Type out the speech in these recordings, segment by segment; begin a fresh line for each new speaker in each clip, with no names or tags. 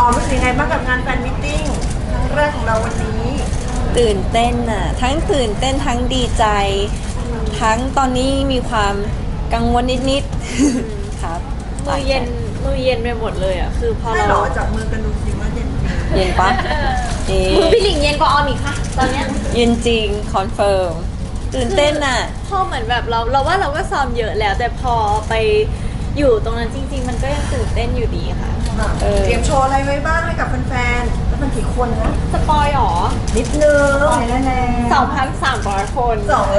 รู้สึกยังไงบ้างกับงานแฟนมิทติ้งครั้งแรกของเราวันนี้
ตื่นเต้นอ่ะทั้งตื่นเต้นทั้งดีใจทั้งตอนนี้มีความกังวลนิดๆครับ
มือเย็นไปหมดเลยอ่ะคือพอ
ใช่
เรา
หรอจับมือกันดูสิว่าเย็นจริง
เย็นปะเอ๊ะ
มือพี่หลิงเย็นกว่าออมอีกค่ะตอนเนี้ย
เย็นจริงคอนเฟิร์มตื่นเต้นอ่ะ
พอเหมือนแบบเราว่าเราก็ซ้อมเยอะแล้ว แต่พอไปอยู่ตรงนั้นจริง ๆ มันก็ยังตื่นเต้นอยู่ดีค่ะ
เออ
เตรียมโชว์อะไรไว้บ้างให้กับแฟนๆแล้วมันกี่คนนะ
สปอยหรอ
นิดนึงแน่
2,300 คน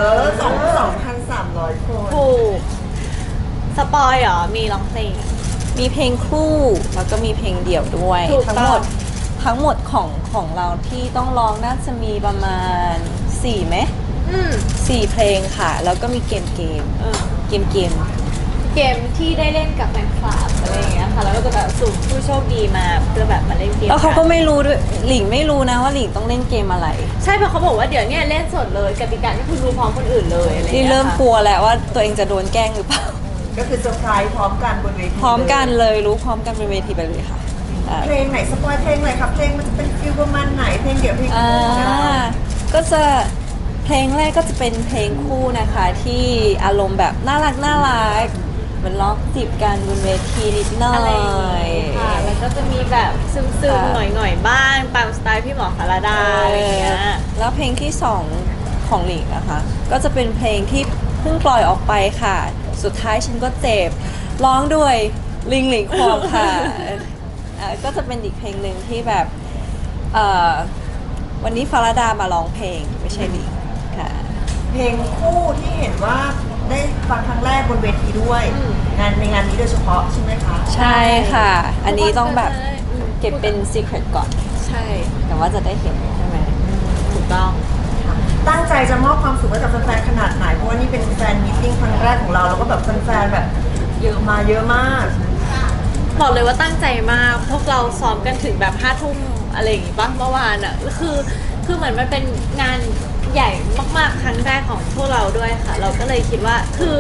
2,300 คน
ถูกสปอยหรอมีร้องเพลง
มีเพลงคู่แล้วก็มีเพลงเดี่ยวด้วย
ถูกต้อง
ทั้งหมดของเราที่ต้องร้องน่าจะมีประมาณ4ไหม
อืม
4เพลงค่ะแล้วก็มีเกม
เออ
เกม
เกมที่ได้เล่นกับแฟนคลับอะไรอย่างเงี้ยค่ะแล้วก็จะแบบสุ่มผู้โชคดีมาเพื่อแบบมาเล่นเกม
แล้วเขาก็
น
ไม่รู้ด้วยหลิงไม่รู้นะว่าหลิงต้องเล่นเกมอะไร
ใช่เพราะเขาบอกว่าเดี๋ยวเนี้เล่นสดเลยกติกาที่คุณรู้พร้อมคนอื่นเลยอะไรอย่าง
นี่
เงี้ย
เริ่ม
ค่ะ
กลัวแล้วว่าตัวเองจะโดนแกล้งหรือเปล่า
ก็คือเซอร์ไพรส์พร้อมกันบนเวที
พร้อมกันเลยรู้พร้อมกันเป็นเวทีไปเลยค่ะอ่า
เพลงไหนสปอยเพลงไหนครับเพลงมันจะเป็นฟิลประมาณไหนเพลงเดี่ยวเพลง
อ่า
คู่ของเรา
ก็จะเพลงแรกก็จะเป็นเพลงคู่นะคะที่อารมณ์แบบน่ารักเหมือนร้องจีบกันบนเวทีนิดหน่อ
อะไรอย่าง
ย
เงี้ยค่ะแล้วก็จะมีแบบซึม
ค่ะ
ๆหน่อยๆบ้างตามสไตล์พี่หมอคาราดาอะไรอย่างเงี้ย
แล้วเพลงที่สองของหลิงนะคะก็จะเป็นเพลงที่เพิ่งปล่อยออกไปค่ะ สุดท้ายฉันก็เจ็บร้องด้วยหลิงควงค่ะ ก็จะเป็นอีกเพลงหนึ่งที่แบบเอ่อวันนี้ฟาราดามาร้องเพลงไม่ใช่หลิงค่ะ
เพลงคู่ที่เห็นว่าได้ฟังครั้งแรกบนเวทีด้วย
อืม
ในงานนี้โดยเฉพาะใช่ไหมคะ
ใช่ค่ะ อันนี้ต้องแบบ
อืม
เก็บเป็น secret ก่อน
ใช่
แต่ว่าจะได้เห็นใช่ไหม
ถูกต้อง
ค่ะตั้งใจจะมอบความสุขให้กับแฟนๆขนาดไหนเพราะว่านี่เป็นแฟนมีตติ้งครั้งแรกของเราแล้วก็แบบแฟนๆแบบเยอะมาเยอะมาก
บอกเลยว่าตั้งใจมากพวกเราซ้อมกันถึงแบบ5 ทุ่มอะไรอย่างงี้ป่ะเมื่อวานอ่ะคือเหมือนมันเป็นงานใหญ่มากๆครั้งแรกของพวกเราด้วยค่ะ เราก็เลยคิดว่า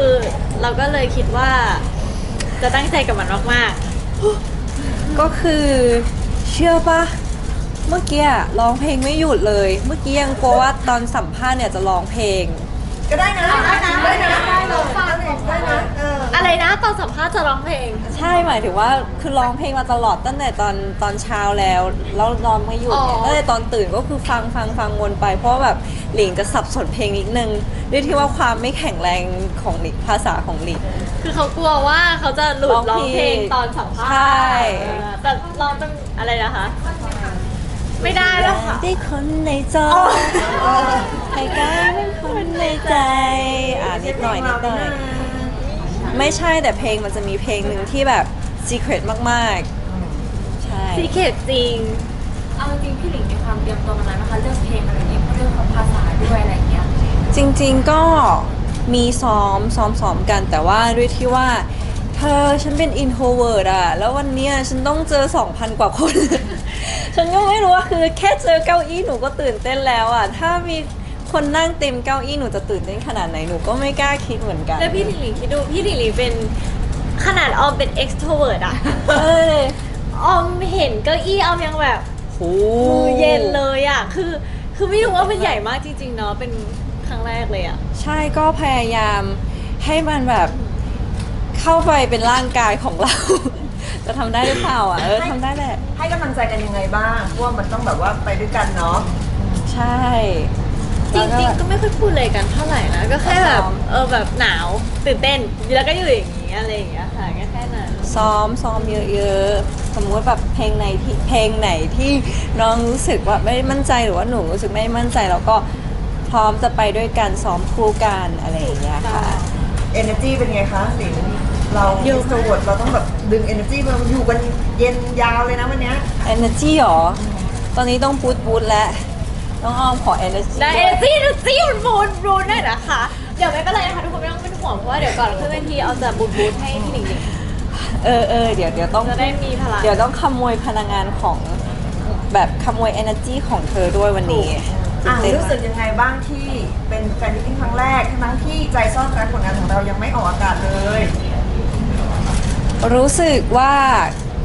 จะตั้งใจกับมันมาก
ก็คือเชื่อปะเมื่อกี้อะร้องเพลงไม่หยุดเลย เมื่อกี้ยังกลัวว่าตอนสัมภาษณ์เนี่ยจะร้องเพลง
ก็ได้นะได้นะได้นะ
ๆอะไรนะตอนสัมภาษณ์จะร้องเพลง
ใช่หมายถึงว่าคือร้องเพลงมาตลอดตั้งแต่ตอนเช้าแล้วร้องไม่หยุดเนี่ย
อ๋อ
ตั้งแต่ตอนตื่นก็คือฟังวนไป เพราะว่าแบบหลิงจะสับสนเพลงนิดนึงด้วยที่ว่าความไม่แข็งแรงของหลิงภาษาของหลิง
คือเขากลัวว่าเขาจะหลุด
ร้
ร้
อ
อง ง
ผิด
เพลงตอนสัมภาษณ์
ใช่
แต่ร้องต้องอะไรนะคะ ไม่ได้แล้วค่ะ
ได้คนในจอให้กลายเป็นคนในใจนิดหน่อยไม่ใช่แต่เพลงมันจะมีเพลงหนึ่งที่แบบ secret มากๆ ใช่
ซีเคทจริง
เอาจริงๆพี่หลิงมีความเตรียมตัวมานานนะคะเรื่องเพลงอะไรอย่างเงี้ยเรื่องของภาษาด้วยอะไรอย่างเงี้ย
จริงๆก็มีซ้อมกันแต่ว่าด้วยที่ว่าเธอฉันเป็น introvert อะแล้ววันเนี้ยฉันต้องเจอ 2,000 กว่าคน ฉันก็ไม่รู้ว่าคือแค่เจอเก้าอี้หนูก็ตื่นเต้นแล้วอะถ้ามีคนนั่งเต็มเก้าอี้หนูจะตื่นเต้นขนาดไหนหนูก็ไม่กล้าคิดเหมือนกัน
แล้วพี่หลิงหลิงคิดดูพี่หลิงหลิงเป็นขนาดออมเป็น extrovert อะ
เอ้ย
ออมเห็นเก้าอี้ออมยังแบบ
โห
มือเย็นเลยอะคือไม่รู้ว่ามันใหญ่มากจริงๆเนาะเป็นครั้งแรกเลยอะ
ใช่ก็พยายามให้มันแบบเข้าไปเป็นร่างกายของเรา จะทำได้หรือเปล่าทำได้แหละ
ให้กำลังใจกันยังไงบ้างเพราะว่ามันต้องแบบว่าไปด้วยกันเนาะ
ใช่
จริงๆก็ไม่ค่อยพูดเลยกันเท่าไหร่นะก็แค่แบบแบบหนาวตื่นเต้นแล้วก็อยู่อย่างนี้อะไรอย่างเงี้ยค่ะแค่นั้น
ซ้อมเยอะๆ สมมติแบบเพลงไหนที่น้องรู้สึกว่าไม่มั่นใจหรือว่าหนูรู้สึกไม่มั่นใจแล้วก็พร้อมจะไปด้วยกันซ้อมคู่กันอะไรอย่างเงี้ยค่ะ
energy เป็นไงคะสิงเรา
เยอะ
สวดเราต้องแบบดึง energy มาอยู่กันเย็นยาวเลยนะวันเนี้ย
energy หรอ ตอนนี้ต้องบูทแล้วน้องออมขอ energy
ได้
ด้วย
จี้มันบูนได้นะคะ เดี๋ยวไม่เป็นไรนะคะทุกคนไม่ต้องเป็นห่วงเพราะว่าเดี๋ยวก่อนขึ้นเวทีเอาจะบูนให้พี่หนิงหนิง
เดี๋ยวต้อง
จะได้มีพลัง
เดี๋ยวต้องขโมยพลังงานของแบบขโมย energy ของเธอด้วยวันนี้ ตื่นเต้น
รู้สึ
มาก
กยังไงบ้างที่เป็นแฟนมิตติ้งครั้งแรกทั้งที่ใจซ่อนรักผลงานของเรายังไม่ออกอากาศเลย
รู้สึกว่า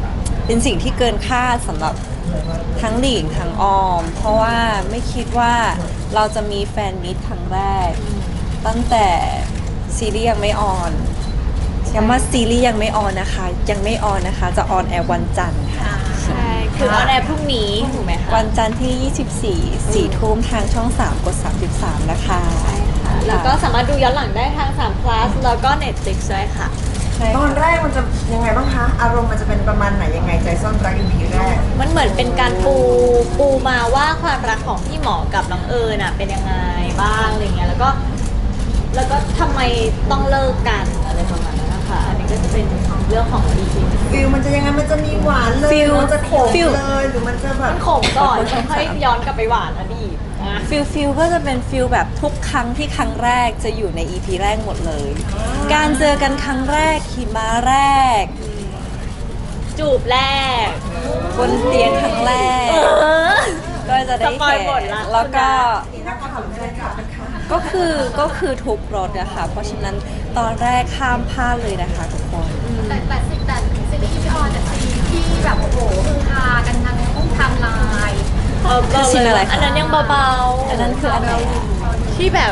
เป็นสิ่งที่เกินคาดสำหรับทั้งหลิงทั้งออม เพราะว่าไม่คิดว่าเราจะมีแฟนมิตครั้งแรก ตั้งแต่ซีรีส์ยังไม่ออนย้ำว่าซีรีส์ยังไม่ออนนะคะ ยังไม่ออนนะคะ จะออนแอร์วันจันทร์ค่ะ
ใช่คือออนแอร์พรุ่งนี้ถูกไหมคะ
วันจันทร์ที่ 24 4 ทุ่มทางช่อง 3 กด 33 นะคะ
แล้วก็สามารถดูย้อนหลังได้ทาง3 plus แล้วก็ Netflix ด้วยค่ะ
ใช่
ตอน
ค่ะ
แรกมันจะยังไงบ้างคะ อารมณ์มันจะเป็นประมาณไหนยังไงใจซ่อนรัก EP แรก
มันเหมือนเป็นการปูมาว่าความรักของพี่หมอกับน้องเอิญน่ะเป็นยังไงบ้างอะไรเงี้ยแล้วก็ทำไมต้องเลิกกันอะไรประมาณนั้นนะคะอันนี้ก็จะเป็นเรื่องของ EP
ฟิลมันจะยังไงมันจะมีหวานเลย
ฟิล
หรือมันจะขม
ฟิล
เลยหรือมันจะแบบ
มันขมก่อนค่อยย้อนกลับไปหวานอดีตนะ
ฟิลก็จะเป็นฟิลแบบทุกครั้งที่ครั้งแรกจะอยู่ใน EP แรกหมดเลย การเจอกันครั้งแรกขี่ม้าแรก
จูบแรก
บนเตียงครั้งแรก ก็จะได้
สปอย
เห็น
หมดละ
แล้วก็
นักข่าวเลยค่ะนะคะ
ก็คือทุกรถนะคะเพราะฉะนั้นตอนแรกข้ามพลาดเลยนะคะทุกคน
แต่ซีรีส์พี่ออนแต่ซีรีส์ที่แบบโอ้โหคือฮากันทั้งต้องทำลาย
คือซีนอะไรคะ
อันนั้นยังเบาๆ
อันนั้นคืออันไหนอะ
ที่แบบ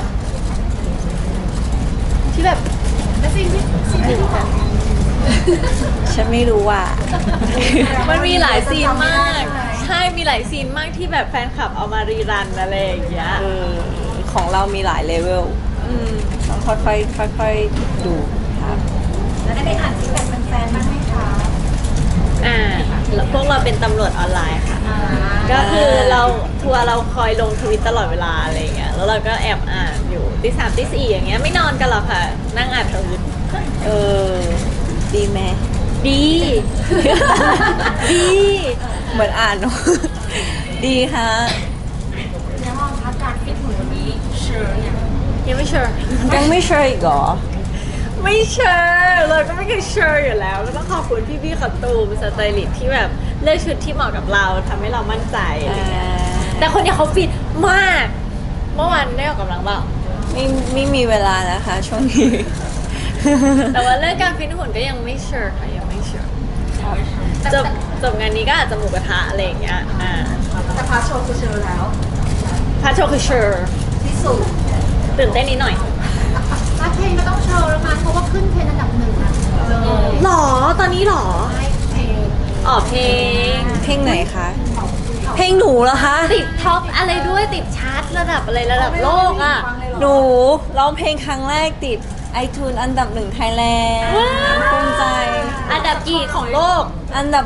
และซีนที่แบบ
ฉันไม่รู้อ่ะ
มันมีหลายซีนมาก ใช่มีหลายซีนมากที่แบบแฟนคลับเอามารีรันอะไรอย่างเงี้ย
ของเรามีหลายเลเวล
อืม
ต้องค่อยๆดูครับ
แล้วได้อ่านฟีดแบ็กแฟนๆบ้างไหมคะ
แล้วพวกเราเป็นตำรวจออนไลน์ค่ะ ก็คือเราคอยลงทวิตตลอดเวลาอะไรอย่างเงี้ย แล้วเราก็แอบอ่านอยู่ตี 3ตี 4อย่างเงี้ยไม่นอนกันหรอกค่ะ นั่งอ่านทวิต
เออ ดีไหม
ดี ดี
เหมือนอ่านเนอะ ดีฮะ
แล้วมองพักการฟิตหุ่นวันนี้เชิญเนี่ย
ยังไม่เชื่อ
ยังไม่เชื่ออีกเหรอ
ไม่เชื่อเราก็ไม่เคยเชื่ออยู่แล้วก็ต้องขอบคุณพี่ๆขับตูมสไตลิสต์ที่แบบเลือกชุดที่เหมาะกับเราทำให้เรามั่นใจอะไรเงี้ยแต่คนเนี้ยเขาฟิตมาก เมื่อวานได้ออกกำลังเปล่า
ไม่มีเวลานะคะช่วงนี้
แต่ว่าเรื่องการฟิตหุ่นก็ยังไม่เชื่อค่ะยังไม่เชื่อจบงานนี้ก็อาจจะหมูกระทะอะไรอย่างเงี้ย
แต่พาร์ทโชว์คือเชิญแล้ว
พาโชว์คือเชื่อ
ที่สุด
ตื่นเต้นนิดหน่อย
ถ้าเพลงก็ต้องโชว์แล้วมั้งเพราะว่าขึ้นเทรนด์อันดับหนึ่งอะเลย
หรอตอนนี้หรอ
ให้เพลง
อ๋อเพลง
เพลงไหนคะ เพลงหนูเหรอคะ
ติดท็อปอะไรด้วยติดชาร์ตระดับอะไรระดับโลกอ่ะ
หนูร้องเพลงครั้งแรกติด iTunes อันดับ1ไทยแลนด์
ว้าว
ภูมิใจ
อันดับกี่ของโลก
อันดับ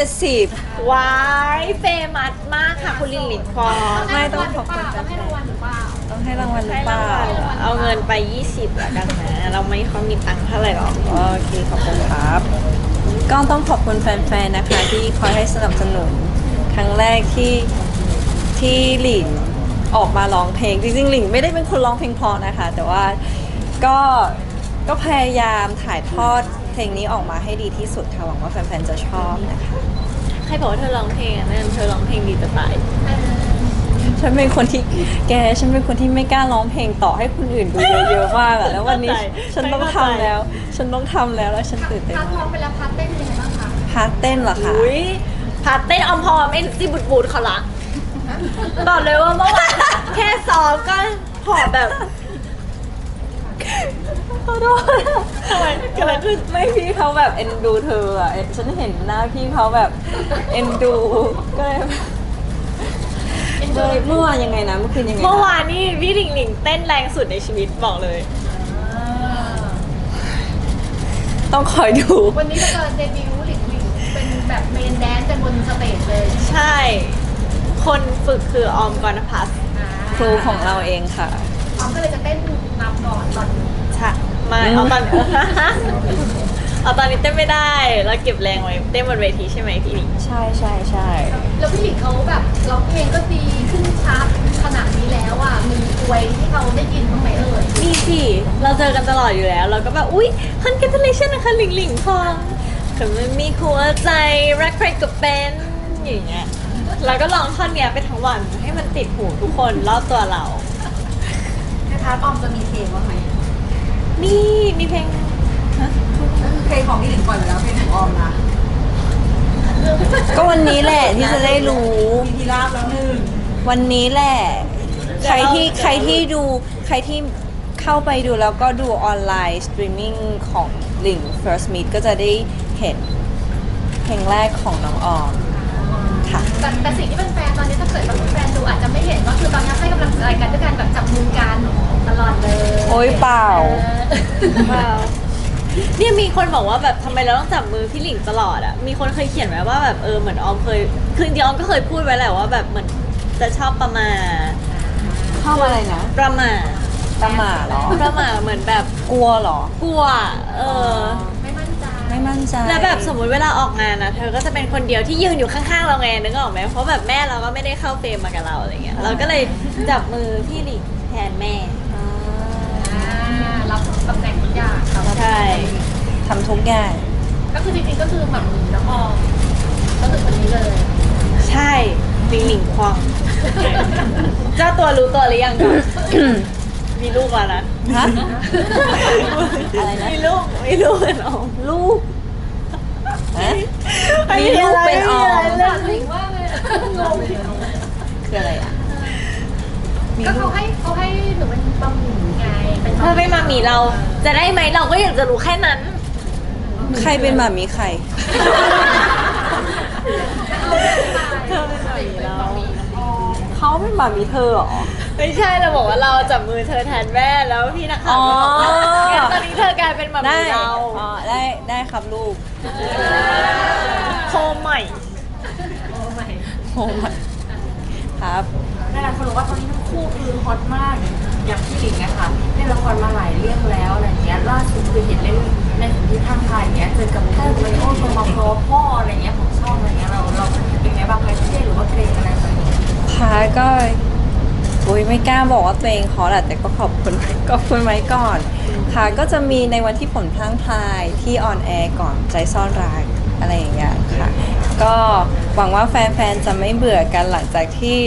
170
ว้ายเฟมัสมากค่ะคุณลินหลินฟอง
ไม่ต้องขอบคุณ
ต้องให้รางวัลหรือเปล่า
ต้องให้รางวัลหรือ
ให้
เป
ราง
ล่า
วัลเอาเงินไป 20ละกันนะ เราไม่ค่อยมีตังค์เท่าไหร่หรอก
โอเคขอบคุณครับ ก็ต้องขอบคุณแฟนๆ นะคะ ที่คอยให้สนับสนุน ครั้งแรกที่หลินออกมาร้องเพลง จริงๆหลินไม่ได้เป็นคนร้องเพลงเพราะนะคะ แต่ว่าก็พยายามถ่ายทอดเพลงนี้ออกมาให้ดีที่สุดค่ะหวังว่าแฟนๆ จะชอบนะคะ
ใครบอกว่าเธอร้องเพลงอ่ะนั่นเธอร้องเพลงดีจะตาย
ฉันเป็นคนที่ฉันเป็นคนที่ไม่กล้าร้องเพลงต่อให้คนอื่นดูเยอะๆมากอะแล้ววันนี้ฉันต้องทำแล้ว ฉันต้องทำแล้วฉันตื่นเต้น
พาร์ทร้
มา
อก งไปแล้วพาร์ทเต้นเป็นยังไงบ้างคะ
พาร์ทเต้นเหรอคะ
อุ้ยพาเต้นอมพอไม่ซีบูดเขาละบอกเลยว่าเมื่อวานอะแค่ซ้อมก็หอบแบบ
ขอโทษทำไมเกิดอะไรขึ้นไม่พี่เขาแบบเอ็นดูเธออะฉันเห็นหน้าพี่เขาแบบเอ็นดูก็เลยเมื่อวานยังไงนะเมื่อคืนยังไงนะ
เมื่อวานนี่พี่หลิงหลิงเต้นแรงสุดในชีวิตบอกเลย
ต้องคอยดู
วันนี้จะเกิดเดบิวต์หลิงหลิงเป็นแบบเมนแดนซ์กันบนสเตจเลย
ใช่ คนฝึกคือออมกรณพัฒน์
ครูของเราเองค่ะ
ออมก็เลยจะเต้นนำก่อนตอน
ใช่ไม่เอาตอน เอาตอนนี้เต้นไม่ได้ แล้วเก็บแรงไว้เต้นบนเวทีใช่ไหมพี่หลิง
ใช่ใช่ใช่
แล้วพี่หลิงเขาแบบร้องเพลงก็ดีขึ้นชาร์ตขนาดนี้แล้วอ่ะมีอวยที่เขาได้ยินบ้างไหมเอ่ย
มีสิ เราเจอกันตลอดอยู่แล้ว เราก็แบบ อุ๊ย congratulation นะคะหลิงหลิงทองคือมันมีหัวใจรักใครก็เป็นอย่างเงี้ยเราก็ร้องท่อนเนี้ยไปทั้งวันให้มันติดหูทุกคนรอบตัวเรา
ในพาร์ทออมจะมีเพลงบ้างไหม
มีเพลง
เพลงของพี่หลิงก่อนอยู่แล้วเพลงของออมนะ
ก็วันนี้แหละที่จะได้รู้
มีทีราบแล้วหนึ่ง
วันนี้แหละ ใครที่ดูใครที่เข้าไปดูแล้วก็ดูออนไลน์สตรีมมิ่งของหลิง First Meet ก็จะได้เห็นเพลงแรกของน้องออมค่ะ
แต่สิ่งที่เป็นแฟนตอนนี้ถ้าเกิดแบบแฟนดูอาจจะไม่เห็นก็คือตอนนี้ให้กำลังใจกันด้วยการแบบจับมือกันตลอดเลย
โอ๊ยเปล่า
ว้าวเนี่ยมีคนบอกว่าแบบทำไมเราต้องจับมือพี่หลิงตลอดอ่ะ มีคนเคยเขียนไว้ว่าแบบเหมือนออมเคย คือจริงๆออมก็เคยพูดไว้แหละว่าแบบเหมือนจะชอบประมาท
ชอบอะไรนะ
ประมาท
ตะหมาเหรอ
ประมาทเหมือนแบบ
กลัวเหรอ
กลัว
ไม่มั่นใจ
ไม่มั่นใจ
แล้วแบบสมมุติเวลาออกงานนะเธอก็จะเป็นคนเดียวที่ยืนอยู่ข้างๆเราไงนึกออกไหมเพราะแบบแม่เราก็ไม่ได้เข้าเฟรมมากับเราอะไรเงี้ยเราก็เลยจับมือพี่หลิงแทนแม่
รับตำแหน่งทุกอย่างครับ
ใช่
ทำทุกอย่าง
ก็คือจริงๆก็คือแบบน้องออมก็คือคนนี้เลย
ใช่หลิงหลิงควงเจ้าตัวรู้ตัวหรือยังก่อน มีลูกแล้วนะ
ฮะ อะไรนะ
มีลูกเป็นออม
ลูกฮะ
ไม่
มีลูกเป็นออม
ไม่มีอะไร
ถึงว่าเลยงง
คืออะไรอ่ะ มี
ก็
ลู
เขาให้หนูเป็นบะหมี่ไงเป็น
ถ้าไม่มามีเราจะได้ไหมเราก็อยากจะรู้แค่นั้น
ใครเป็นหมามีใคร
เธอเป็นหมามีเรา
เขาเป็นหมามีเธอเหรอ
ไม่ใช่เราบอกว่าเราจับมือเธอแทนแม่แล้วพี่นักข่าวก็บอกว่า
อ๋อ
งั้นตอนนี้เธอกลายเป็นหมา
ได้
มีเรา
อ๋อได้ครับลูก
โคมใหม่
โอ้my ครับ
หลายคนรู้ว่าตอนนี้ทั้งคู่คือฮอตมากอย่างพี่หลิงนะคะเล่นละครมาหลายเรื่องแล้วอะไรเงี้ยล่าสุดคือเห็นเล่นในสิ่งที่ท่านทายอย่างเงี้ยเจอกับพ่อมาริโอโทมาโครพ่ออะไรเงี้ยของช่องอะไรเงี้ยเราเป็นไงบ้างคะเครียดหรือว่าเกรงอะไรแบบนี้
ค่ะก็อุ้ยไม่กล้าบอกว่าตัวเองขอแหละแต่ก็ขอบคุณ ไว้ก่อน ค่ะก็จะมีในวันที่ผลพลั้งพลายที่ออนแอร์ก่อนใจซ่อนรักอะไรอย่างเงี้ยค่ะ ก็หวังว่าแฟนๆจะไม่เบื่อกันหลังจากที่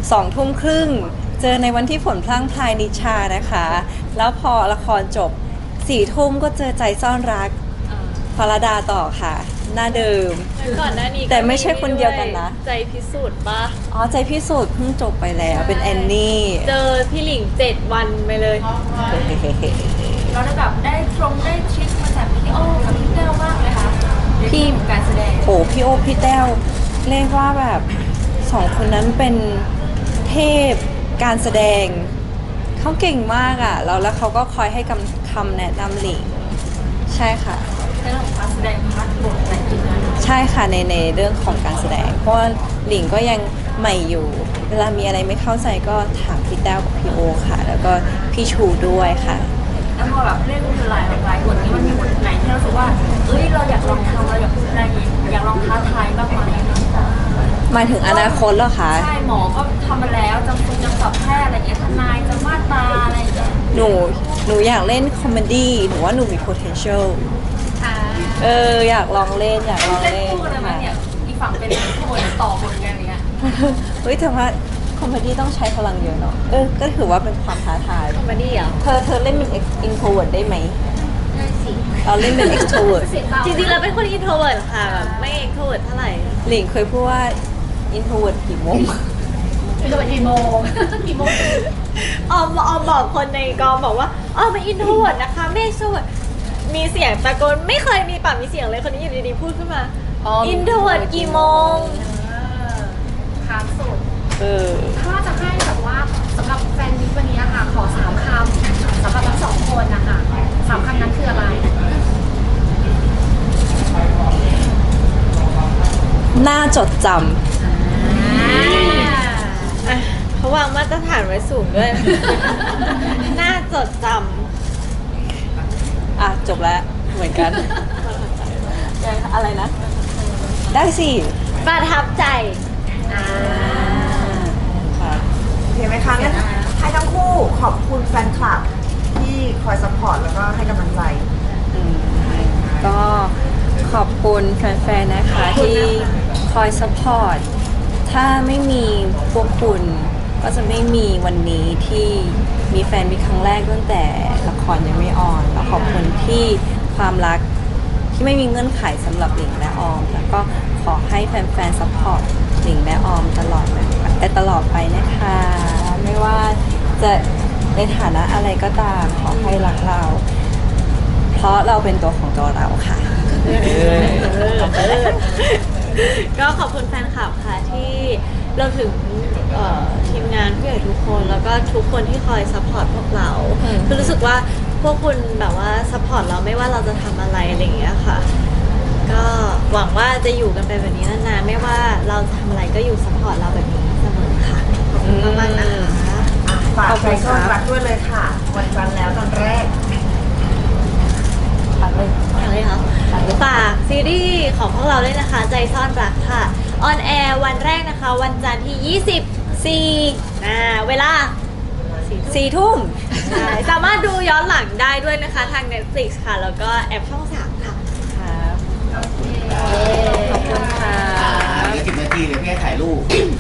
20:30เจอในวันที่ผลพลั้งพลายนิชานะคะ แล้วพอละครจบ4 ทุ่มก็เจอใจซ่อนรักฟาราดาต่อค่ะ หน้าเดิม
ก่อนหน้านี้
แต่ไม่ใช่คนเดียวกันนะ
ใจพิสูจน์ปะ
อ๋อใจพิสูจน์เพิ่งจบไปแล้วเป็นแอนนี่
เจอพี่หลิง7 วันไปเลย
เราได้แบบได้ได้ทริคมาจากพี่โอ้กับพี่เต้ามากเลยค่ะในเรื่องของการแสดง
โอ้พี่โอพี่แต้วเรียกว่าแบบ2 คนนั้นเป็นเทพการแสดงเขาเก่งมากอ่ะแล้วเขาก็คอยให้คำแนะนำหลิงใช่ค่ะ
ในเรื่องของการแสดงพาร์ทบทอะไรอย่างเงี้ย
ใช่ค่ะในเรื่องของการแสดง เพราะว่าหลิงก็ยังใหม่อยู่ เวลามีอะไรไม่เข้าใจก็ถามพี่แต้วกับพี่โอค่ะ แล้วก็พี่ชูด้วยค่ะ
แล้วพอแบบเล่นหลายบทนี้มันมีบทไหนที่เรารู้สึกว่าเอ้ยเราอยากลองทำเราอยากอะไรอยากลองท้าทายบ้างไหม
หมายถึงอนาคตเหรอคะ
ใช่หมอก็ทำมาแล้วจำคุณจำสับแพทย์อะไรอย่างเงี้ยทนายจะมาตราอะไรอย่างเงี้ย
หนูอยากเล่นคอมเมดี้หนูว่าหนูมี potential อยากลองเล่นอยากลอง
เล่น
เล่น
คู่กันเลยไหม
ค่ะ
เนี่ยอีกฝั่งเป็นบทต่อบทกันอย่างเงี้ย
เฮ้ยแต่ว่าคอมเมดี้ต้องใช้พลังเยอะเนาะก็ถือว่าเป็นความท้าทาย
คอมเมดี้เหรอ
เธอเล่นเป็น introvert ได้ไหม
ได้สิ
เราเล่นเป็น extrovert
เสียงเบา
จริงๆเราเป็นคนอินโทรเวิร์ดค่ะแบบไม่เอ็กโทรเวิร์ดเท่าไหร่
หลิงเคยพูดว่า introvert กี่โมง
เป็นตัวกี่โมงกี่โมง
ออมบอกคนในกองบอกว่าเป็นอินโทรเวิร์ดนะคะไม่เอ็กโทรเวิร์ดมีเสียงตะโกนไม่เคยมีปากมีเสียงเลยคนนี้อยู่ดีๆพูดขึ้นมาอินโทรเวิร์ดกี่โมง
ค้างสุด
เออ
ถ้าจะให้แบบว่าสำหรับแฟนมิตรวันนี้อะค่ะขอ3 คำสำหรับทั้ง2 คนนะคะ3 คำนั้นคืออะไร
น่าจดจ
เขาวางมาตรฐานไว้สูงด้วย น่าจดจ
ำจบแล้วเหมือนกัน อะไรนะ ได้สิ
ำประทับใจ
ค่ะ
โอเคไหมคะงั้นให้ทั้งคู่ขอบคุณแฟนคลับที่คอยซัพพอร์ตแล้วก็ให้กำลังใจ
ก็ขอบคุณแฟนๆ นะคะที่คอยซัพพอร์ต ถ้าไม่มีพวกคุณก็จะไม่มีวันนี้ที่มีแฟนมีครั้งแรกตั้งแต่ละครยังไม่ออน แล้วขอบคุณที่ความรักทที่ไม่มีเงื่อนไขสำหรับหลิงและออม แล้วก็ขอให้แฟนๆซัพพอร์ตหลิงและออมตลอดไปนะคะ ไม่ว่าจะในฐานะอะไรก็ตามขอให้รักเรา เพราะเราเป็นตัวของตัวเราค่ะ
ก็ขอบคุณแฟนคลับค่ะที่เราถึงทีมงานผู้ใหญ่ทุกคนแล้วก็ทุกคนที่คอยซัพพอร์ตพวกเราคือรู้สึกว่าพวกคุณแบบว่าซัพพอร์ตเราไม่ว่าเราจะทำอะไรอะไรอย่างเงี้ยค่ะ ก็หวังว่าจะอยู่กันไปแบบนี้นานๆไม่ว่าเราจะทำอะไรก็อยู่ซัพพอร์ตเราแบบนี้เสมอค่ะขอบคุณมากๆนะคะ
ฝากใจซ่อนรักด้วยเลยค่ะ วันจันทร์แล้วตอนแรก
อะไรคะฝากซีรีส์ของพวกเราด้วยนะคะ ใจซ่อนรักค่ะออนแอร์วันแรกนะคะ วันจันทร์ที่ 24เวลา
4 ทุ่ม
ใช่สามารถดูย้อนหลังได้ด้วยนะคะทาง Netflix ค่ะ แล้วก็แอปช่อง 3 ค่ะ
ครับ ขอบคุณค่ะ
เหลือ10 นาทีเดี๋ยวพี่ให้ถ่ายรูป